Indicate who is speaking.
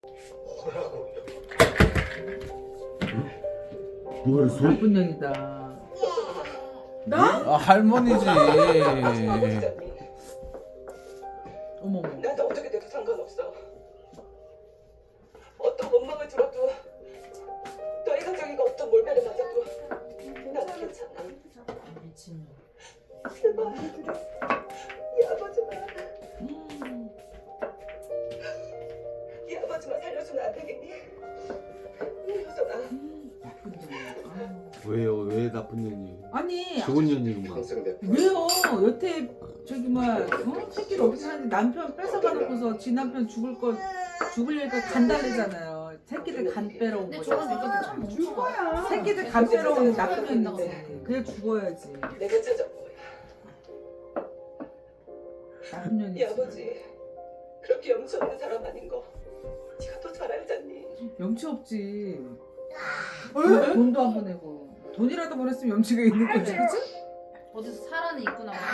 Speaker 1: 뭘 소?
Speaker 2: 나쁜 년이다.
Speaker 3: 나?
Speaker 1: 아 할머니지.
Speaker 2: 어머머.
Speaker 3: 나도 어떻게 돼도 상관없어. 어떤 원망을 들어도 너희 가정이가 어떤 몰매를 맞아도 나는 괜찮아.
Speaker 2: 미친년.
Speaker 3: 제발 이 아버지만 이 아버지만 살려주면 안 되겠니? 효선아.
Speaker 2: 나쁜 년.
Speaker 1: 왜요? 왜 나쁜 년이?
Speaker 2: 아니
Speaker 1: 좋은 년이구만.
Speaker 2: 왜요? 여태 저기 막 새끼를 어떻게 하는데 남편 뺏어가놓고서 지 남편 죽을려니까 간 달래잖아요. 새끼들 간 빼러 온
Speaker 4: 근데
Speaker 2: 거지.
Speaker 4: 저런 여자들
Speaker 2: 죽
Speaker 4: 거야.
Speaker 2: 새끼들 간 빼러 온 나쁜 년인데 그냥 죽어야지.
Speaker 3: 내가 찾아온 거야.
Speaker 2: 나쁜
Speaker 3: 이
Speaker 2: 년이지.
Speaker 3: 아버지 그렇게 염치 없는 사람 아닌 거 네가 더 잘 알잖니.
Speaker 2: 염치 없지. 돈도 안 보내고 돈이라도 보냈으면 염치가 있는 거지, 그치?
Speaker 4: 어디서 사라는 있구나.